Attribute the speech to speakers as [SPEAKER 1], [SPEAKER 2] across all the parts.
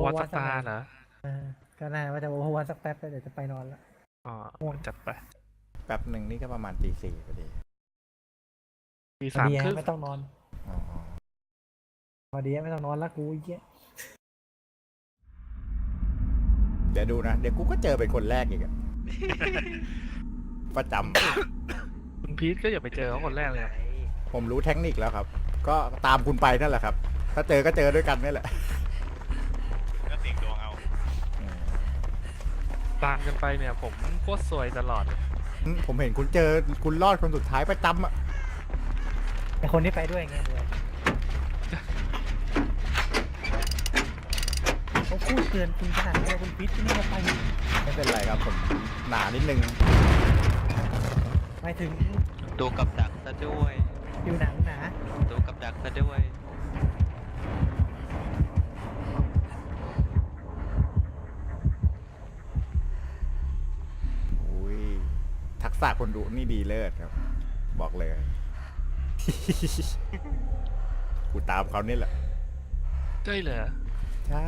[SPEAKER 1] วัต
[SPEAKER 2] วั
[SPEAKER 1] ส
[SPEAKER 2] ตสัก
[SPEAKER 1] ตา
[SPEAKER 2] หน่อย
[SPEAKER 1] ร์เหรอ
[SPEAKER 2] ก็น่าว่าจะโอเวอร์วัตสักแป๊บแล้วเดี๋ยวจะไปนอนแล้ว
[SPEAKER 1] อ๋อ
[SPEAKER 2] ง่วง
[SPEAKER 1] จัดไป
[SPEAKER 3] แป๊บหนึ่งนี่ก็ประมาณตี 4พอดี
[SPEAKER 1] ตี
[SPEAKER 2] พอ
[SPEAKER 1] สาม
[SPEAKER 2] ดี
[SPEAKER 1] ครึ่ง
[SPEAKER 2] ไม่ต้องนอน
[SPEAKER 3] อ๋อ
[SPEAKER 2] พอดีไม่ต้องนอนละกูไอ้เหี้ย
[SPEAKER 3] เดี๋ยวดูนะ เดี๋ยวกูก็เจอเป็นคนแรกอีกอะ ประจ
[SPEAKER 1] คุณพีทก็อย่าไปเจอเขาคนแรกเลยครับ
[SPEAKER 3] ำผมรู้เทคนิคแล้วครับ ก็ตามคุณไปนั่นแหละครับ ถ้าเจอก็เจอด้วยกันนี่แหละ
[SPEAKER 4] ก็เสี่ยงดวงเอา
[SPEAKER 3] อืม
[SPEAKER 1] ตามกันไปเนี่ยผมโคตรซวยตลอดเลย
[SPEAKER 3] ผมเห็นคุณเจอคุณรอดคนสุดท้ายประจำอะ
[SPEAKER 2] ไอคนที่ไปด้วยไงเลยเขาพูดเตือนคุณขนาดนี้คุณพิษที่นี่จะไป
[SPEAKER 3] ไม่เป็นไรครับผมหนานิดนึง
[SPEAKER 2] หมายถึง
[SPEAKER 5] ตัวกับดักซะด้วย
[SPEAKER 2] ผิวหนังหนา
[SPEAKER 5] ตัวกับดักซะด้วย
[SPEAKER 3] อุ้ยทักษะคนดูนี่ดีเลิศครับ บอกเลย กูตามเขานี่แหละ
[SPEAKER 1] ใช่เหรอ
[SPEAKER 3] ใช่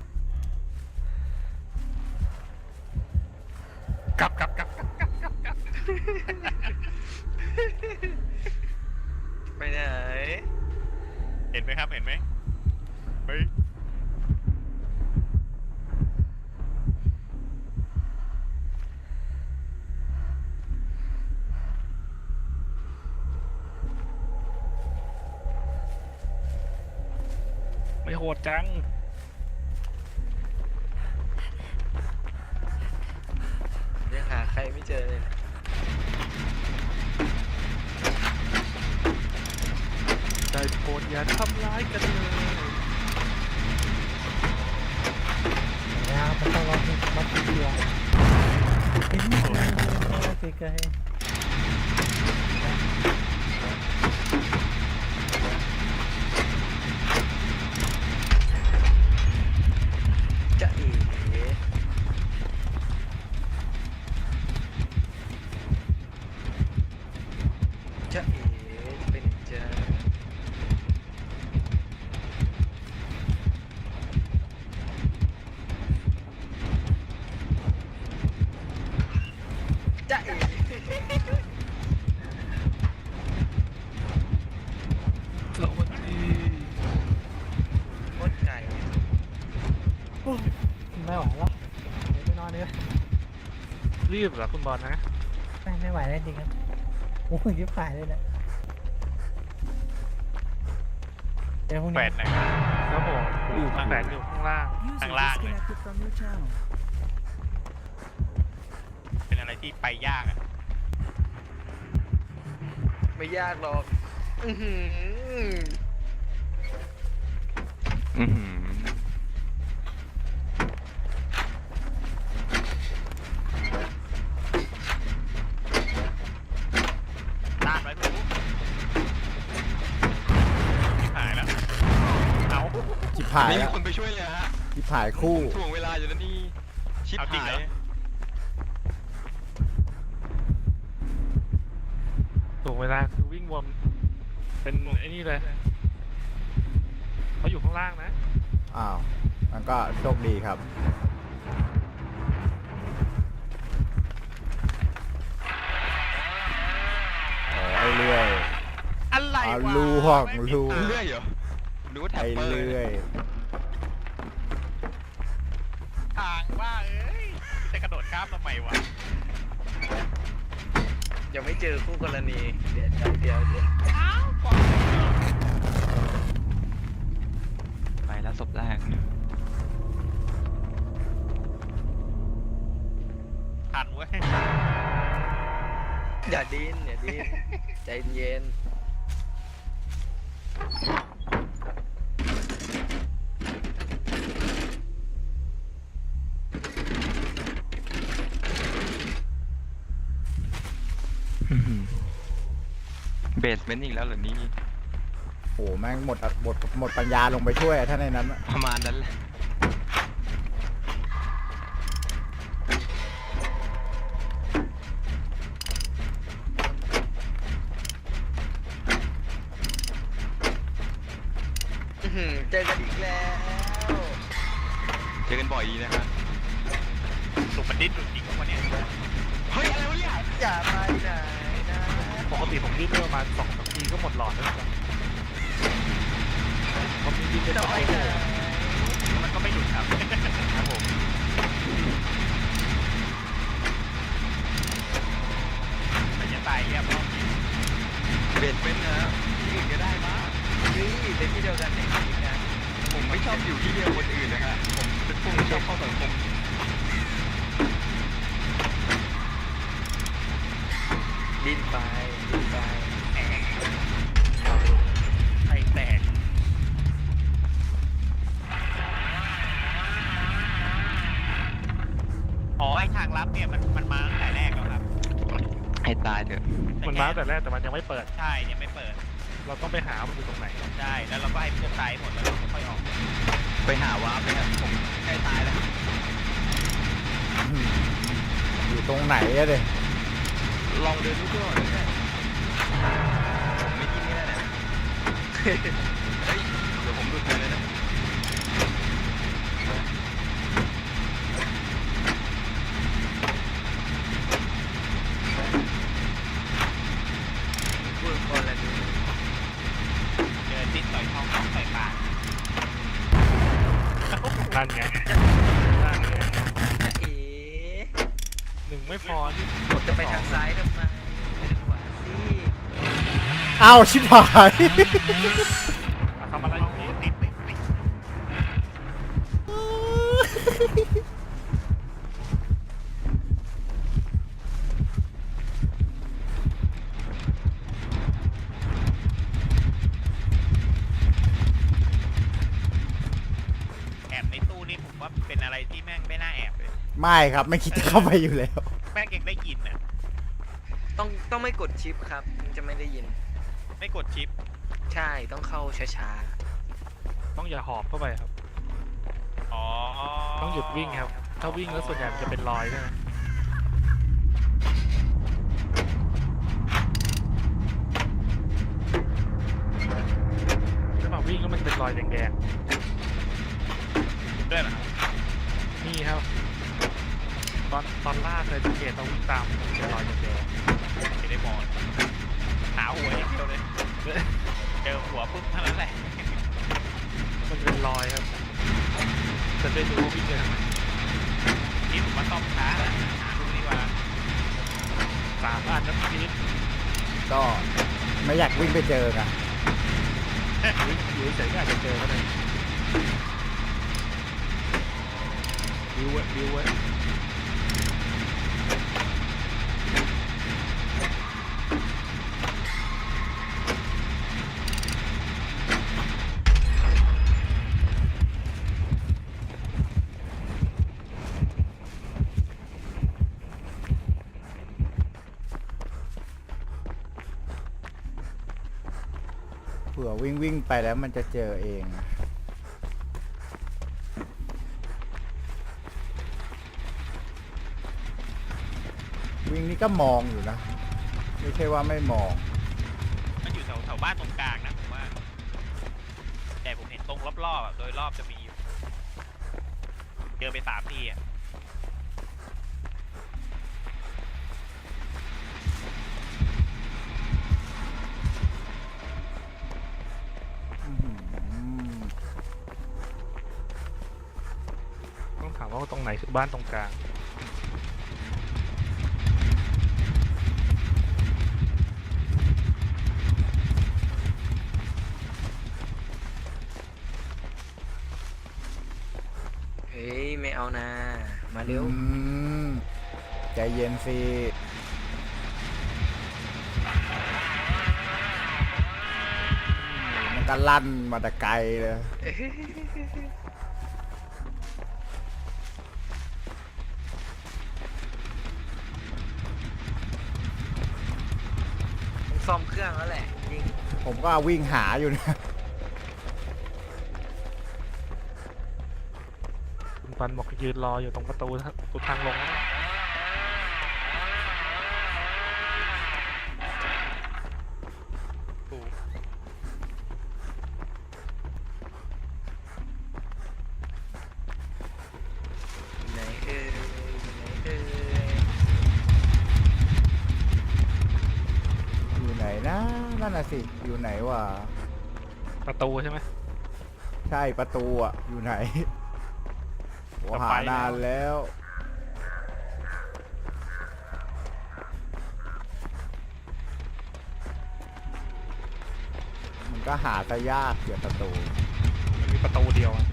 [SPEAKER 1] กลับ
[SPEAKER 5] ไปไหน
[SPEAKER 4] เห็นไหมครับ เห็นไหมเฮ้ย
[SPEAKER 1] ไม่โหดจัง
[SPEAKER 5] ยังหาใครไม่เจอเลย
[SPEAKER 1] ได้โปรดอย่าทำร้ายกันเลย
[SPEAKER 2] นะครับมันต้องรอให้มัดตัวเห็นไหมไกลๆ
[SPEAKER 5] จะเอ๋จะเอ๋เป็นจะจะเอ๋
[SPEAKER 1] สวัสดี
[SPEAKER 5] โคตรไก่
[SPEAKER 2] ไม่ไหวแล้วเดี๋ยวไปนอนเลย
[SPEAKER 1] รีบเหรอคุณบอลนะ
[SPEAKER 2] ไม่ไหวแล้วจริงครับโอ้ยยิบหายเลยเนี่ยเดี๋ยวพรุ่ง
[SPEAKER 4] แป
[SPEAKER 2] นี้
[SPEAKER 4] ดไหน
[SPEAKER 1] ครับผมอยู่ข้างแฝงอยู่ข้างล่าง
[SPEAKER 4] ข้างล่างเลย เป็นอะไรที่ไปยากอะ
[SPEAKER 5] ไม่ยากหรอก อื้อหือ
[SPEAKER 4] ต้านไว้ไม่รู้หายแล้ว เอา
[SPEAKER 3] จิบหาย
[SPEAKER 5] ไม่มี
[SPEAKER 3] แล้ว
[SPEAKER 5] คนไปช่วยเลยฮะ
[SPEAKER 3] จิบหายคู่
[SPEAKER 5] ถ่วงเวลาอยู่แล้วนี่ ชิบ
[SPEAKER 4] เอาจริง
[SPEAKER 5] หา
[SPEAKER 4] เหร
[SPEAKER 5] ย
[SPEAKER 4] อ
[SPEAKER 1] ถูกเวลาคือวิ่งวนเป็นไอ้นี่เลยเขาอยู่ข้างล่างนะ
[SPEAKER 3] อ้าวมันก็โชคดีครับอ๋อไอ้เลื่อย
[SPEAKER 4] อะไร
[SPEAKER 3] เอา
[SPEAKER 4] วะ
[SPEAKER 3] ลูห้อง
[SPEAKER 4] ไม่มี
[SPEAKER 3] ลู
[SPEAKER 4] ทาง
[SPEAKER 5] เรื่อยเหรอหรือว่าแท็
[SPEAKER 3] ไอ้
[SPEAKER 5] บเปอร์
[SPEAKER 3] เลื่อย
[SPEAKER 4] ทางบ้าเอ้ยจะกระโดดข้ามทำไมวะ
[SPEAKER 5] ยังไม่เจอคู่กรณี เดี๋ยว
[SPEAKER 4] อ้าวก่อน
[SPEAKER 5] ไปแล้วศพแรก
[SPEAKER 4] ทันเว้ย
[SPEAKER 5] อย่าดิ้นใจเย็น เบสเมนต์อีกแล้วเหรอนี่
[SPEAKER 3] โหแม่งหมดปัญญาลงไปช่วยอะถ้าในนั้นอะ
[SPEAKER 5] ประมาณนั้นแหละ เจอกันอีกแล้ว
[SPEAKER 2] อกันบ่อยดีนะครับ
[SPEAKER 4] สุกมันดิ้นจริงๆวันนี้
[SPEAKER 2] เฮ้ยอะไรวะเนี่ย
[SPEAKER 5] อย่าไปไหนนะ
[SPEAKER 1] ปกติผมวิ่งได้ประมาณ2-3 ทีก็หมดหลอดแล้วครับผมวิ่งได้
[SPEAKER 5] จะ
[SPEAKER 1] ประ
[SPEAKER 5] ไป
[SPEAKER 1] มาณ
[SPEAKER 5] ไหน
[SPEAKER 4] มันก็ไม่หยุดครับ
[SPEAKER 1] ครับผม
[SPEAKER 4] มันจะตายเรียบร้อย
[SPEAKER 2] เบ็ดเป็นนะที่อื่นก็ได้มั้ง
[SPEAKER 5] นี่เป็นที่เดียวกันในทีมงาน
[SPEAKER 2] ผมไม่ชอบอยู่ที่เดียวคนอื่นนะฮะผมเป็นพวกไม่ชอบเข้าสังคม
[SPEAKER 5] ดิ้นไปดิ้นไป
[SPEAKER 4] ไข่แตกอ๋อไอทางลับเนี่ยมันมาตั้งแต่แรกแล้วครับ
[SPEAKER 2] ให้ตายเถอะ
[SPEAKER 1] มันมาแต่แรกแต่มันยังไม่เปิด
[SPEAKER 4] ใช่ยังไม่เปิด
[SPEAKER 1] เราต้องไปหามันอยู่ตรงไหน
[SPEAKER 4] ใช่แล้วเราก็ให้เพื่อนตายหมดแล้วเราก็ค่อยออก
[SPEAKER 2] ไปหาวาร์ปเลยครับผมใกล้ตายแล้ว
[SPEAKER 3] อยู่ตรงไหนอะเด็
[SPEAKER 2] ลองเดินดูก่อนได้ผมไม่กินนี่แหละเนี่ยเฮ้ยเดี๋ยวผมดูดเลยนะ
[SPEAKER 5] พูดคนละดู
[SPEAKER 4] เดินดิ้นต่อยท้องต่อยปาก
[SPEAKER 1] นั่นไงนั่นไง
[SPEAKER 5] จะเอ๋
[SPEAKER 1] 1ไม่พอนี่
[SPEAKER 5] ผมจะไปทางซ้ายทำไมไปทางขวาสิ
[SPEAKER 3] อ้าวชิบหาย
[SPEAKER 1] ทำอะไรอยู่นี่
[SPEAKER 4] ติดไม่ติดแอบในตู้นี่ผมว่าเป็นอะไรที่แม่งไม่น่าแอบเลย
[SPEAKER 3] ไม่ครับไม่คิดจะเข้าไปอยู่แล้ว
[SPEAKER 4] แม่งยังได้ยินน่ะ
[SPEAKER 5] ต้องไม่กดชิปครับมันจะไม่ได้ยิน
[SPEAKER 4] ไม่กดชิป
[SPEAKER 5] ใช่ต้องเข้าช้า
[SPEAKER 1] ต้องอย่าหอบเข้าไปครับ
[SPEAKER 4] อ๋อ
[SPEAKER 1] ต้องหยุดวิ่งครับ ถ้าวิ่งแล้วส่วนใหญ่มันจะเป็นรอยใช่ไหมถ้ามาวิ่งแล้วมันเป็นรอยแดง
[SPEAKER 4] ด้วยเหรอครับ
[SPEAKER 1] ๆนี่ครับ ตอนล่าเคยสังเกตต้องวิ่งตามมันเป็นรอยแดง
[SPEAKER 4] ไม่ได้มองหาหัวอย่างเดียวเลย เจอหัวปุ๊บเท่านั้นแหละ
[SPEAKER 1] ๆมันเป็นรอยครับ จะได้รู้ว่าวิ่งไปทางไหน
[SPEAKER 4] นี่ผมว่าต้องช้าแล้วหาดูดีกว่า
[SPEAKER 1] 3 อันนะพี่นิด
[SPEAKER 3] ก็ไม่อยากวิ่งไปเจอไง
[SPEAKER 1] วิ่งอยู่เฉยๆก็อาจจะเจอก็ได้วิวไว้วิวไว้
[SPEAKER 3] เผื่อวิ่งไปแล้วมันจะเจอเอง วิ่งนี่ก็มองอยู่นะ ไม่ใช่ว่าไม่มอง
[SPEAKER 4] มันอยู่แถวบ้านตรงกลางนะผมว่า แต่ผมเห็นตรงรอบๆอะโดยรอบจะมีอยู่เจอไป3 ทีอ่ะ
[SPEAKER 3] อื้อหือ
[SPEAKER 1] ต้องถามว่าตรงไหนคือบ้านตรงกลาง
[SPEAKER 5] ๆเฮ้ยไม่เอานะมาเร็ว
[SPEAKER 3] ใจเย็นสิมันก็ลั่นมาแต่ไกลเลย
[SPEAKER 5] ต้องซ่อมเครื่องแล้วแหละจริง
[SPEAKER 3] ผมก็วิ่งหาอยู่นะ
[SPEAKER 1] คุณปันบอกยืนรออยู่ตรงประตูทางลงนะ
[SPEAKER 3] นน่ะสิ อยู่ไหนวะ
[SPEAKER 1] ประตูใช่ไหม
[SPEAKER 3] ใช่ประตูอ่ะ อยู่ไหนโห
[SPEAKER 1] จะ
[SPEAKER 3] หา
[SPEAKER 1] ไป
[SPEAKER 3] นานแล้ว มันก็หาซะยากเกี่ยวประตู
[SPEAKER 1] มันมีประตูเดียวอะ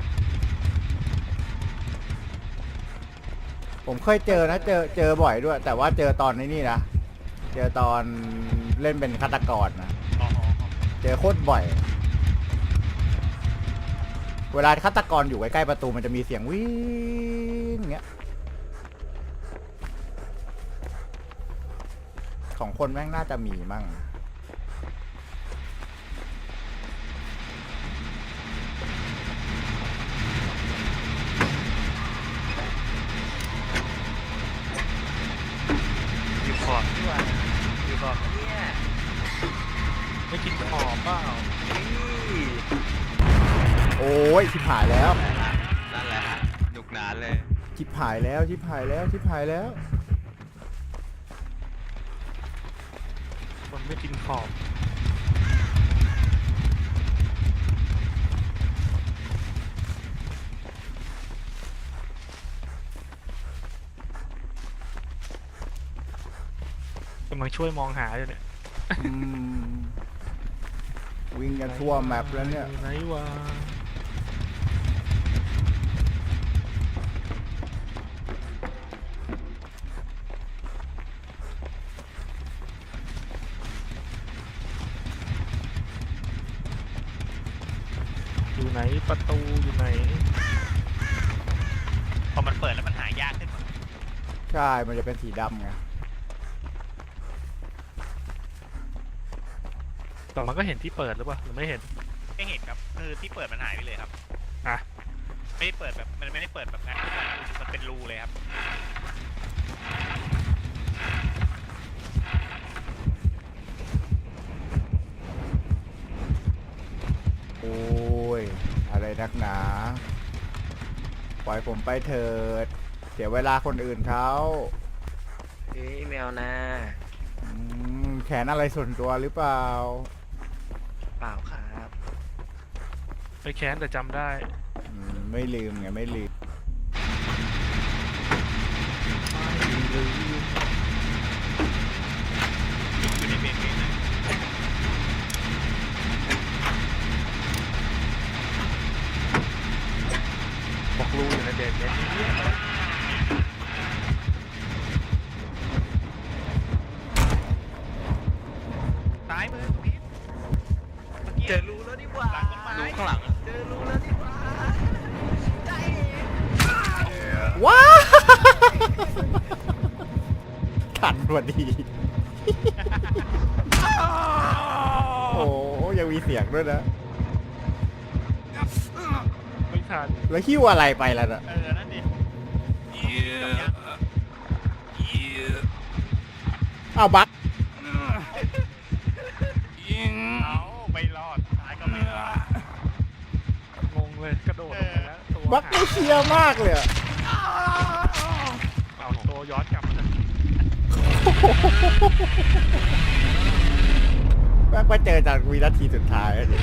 [SPEAKER 3] ผมเคยเจอนะ เจอบ่อยด้วย แต่ว่าเจอตอนนี้นะ เจอตอนเล่นเป็นฆาตกรนะ
[SPEAKER 4] อ๋อ
[SPEAKER 3] เจอโคตรบ่อย เวลาฆาตกรอยู่ใกล้ๆประตูมันจะมีเสียงวิ่งเงี้ย ของคนแม่งน่าจะมีมั่ง
[SPEAKER 1] อยู่ขอบ
[SPEAKER 5] ดีกว่าอยู่บอกเนี่ย
[SPEAKER 1] ไม่กินขอบเปล่า
[SPEAKER 5] นี่
[SPEAKER 3] โอ้ยชิบหายแล้ว
[SPEAKER 2] นั่นแหละฮะหนุกหนานเลย
[SPEAKER 3] ชิบหายแล้ว ชิบหายแล้ว ชิบหายแล้ว
[SPEAKER 1] คนไม่กินขอบกำลังช่วยมองหาอยู่เนี่ย
[SPEAKER 3] อืมวิ่งกันทั่วแมปแล้วเนี่ย
[SPEAKER 1] ไหนวะอยู่ไหนประตูอยู่ไหน
[SPEAKER 4] พอมันเปิดแล้วมันหายากขึ้นหมด
[SPEAKER 3] ใช่ มันจะเป็นสีดำไง
[SPEAKER 1] แต่มันก็เห็นที่เปิดหรือเปล่าหรือไม่เห็น
[SPEAKER 4] ไม่เห็นครับคือที่เปิดมันหายไปเลยครับ
[SPEAKER 1] อ่ะ
[SPEAKER 4] ไม่ได้เปิดแบบมันไม่ได้เปิดแบบนั้นมันเป็นรูเลยครับ
[SPEAKER 3] โอ้ย อะไรนักหนา ปล่อยผมไปเถิด เสียเวลาคนอื่นเขา
[SPEAKER 5] เฮ้ยแมวนะ
[SPEAKER 3] แขนอะไรส่วนตัวหรือเปล่า
[SPEAKER 5] เปล่าครับ
[SPEAKER 1] ไปแค้นแต่จำได้
[SPEAKER 3] ไม่ลืมไง ไม่ลืม
[SPEAKER 4] อยู่ในเบนเบนนะ
[SPEAKER 1] บอกรูอยู่ในเด็กเนี่ย
[SPEAKER 4] ซ้ายมือพีทเมื่อกี้
[SPEAKER 5] เจอรู้แล้วดีกว่า
[SPEAKER 4] หลังต้นไม้
[SPEAKER 2] ดูข้างหลัง
[SPEAKER 5] เจอรู้แล้วดีกว่าใจ
[SPEAKER 3] ว้า ทันพอดี โอ้ยังมีเสียงด้วยนะ
[SPEAKER 1] ไม่ทัน
[SPEAKER 3] แล้วหิ้วอะไรไปแล้วน่ะ
[SPEAKER 4] นั่นดิ
[SPEAKER 3] อ้าวบัก
[SPEAKER 4] เอาไม่รอดซ้ายก็ไม่รอด
[SPEAKER 1] งงเลยกระโดดลงไปแล้วตัว
[SPEAKER 3] บักไม่เชียร์มากเลยอะ
[SPEAKER 1] เอาตัวย้อนกลับมาทัน
[SPEAKER 3] แม่งไปเจอจากวินาทีสุดท้ายอะดิ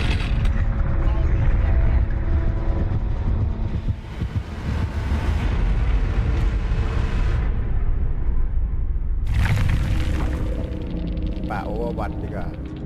[SPEAKER 3] ป่าโอเวอร์วัตดีกว่า